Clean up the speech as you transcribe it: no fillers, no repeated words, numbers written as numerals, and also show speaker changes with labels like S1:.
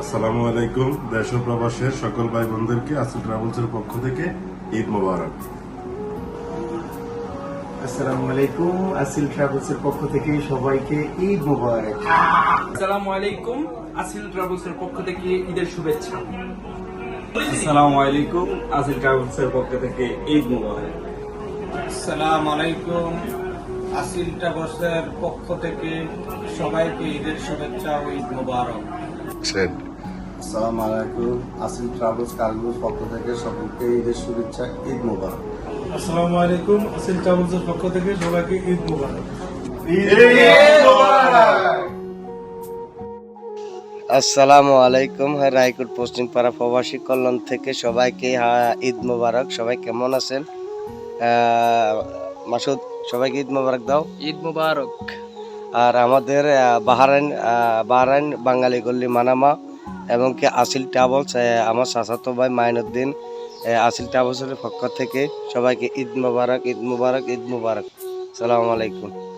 S1: আসসালামু আলাইকুম। দেশ ও প্রবাসের সকল ভাই বোনদেরকে আসিল ট্রাভেলসের পক্ষ থেকে ঈদ মোবারক।
S2: আসসালামু আলাইকুম। আসিল ট্রাভেলসের পক্ষ থেকে সবাইকে ঈদ মোবারক।
S3: আসসালামু আলাইকুম। আসিল ট্রাভেলসের পক্ষ থেকে ঈদের শুভেচ্ছা।
S4: আসসালামু আলাইকুম। আসিল ট্রাভেলসের পক্ষ থেকে ঈদ মোবারক।
S5: আসসালামু আলাইকুম। আসিল ট্রাভেলসের পক্ষ থেকে সবাইকে ঈদের শুভেচ্ছা ও ঈদ মোবারক।
S2: আসসালামু আলাইকুম। আসিল ট্রাভেলস কার্গোর পক্ষ থেকে সকলকে ঈদের শুভেচ্ছা, ঈদ মোবারক।
S6: আসসালামু আলাইকুম। আসিল ট্রাভেলসের পক্ষ থেকে সবাইকে ঈদ মোবারক।
S7: আসসালামু আলাইকুম। রায়পুর পশ্চিম পাড়া প্রবাসী কল্যাণ থেকে সবাইকে ঈদ মোবারক। সবাই কেমন আছেন? মাসুদ, সবাইকে ঈদ মোবারক দাও।
S3: ঈদ মুবারক।
S7: আর আমাদের বাহরাইন বাঙালি গল্লি মানামা এবং কি আসিল ট্রাভেলস, আমার চাচাতো ভাই মাইনুদ্দিন, আসিল ট্রাভেলসের পক্ষ থেকে সবাইকে ঈদ মোবারক, ঈদ মোবারক, ঈদ মোবারক। আসসালামু আলাইকুম।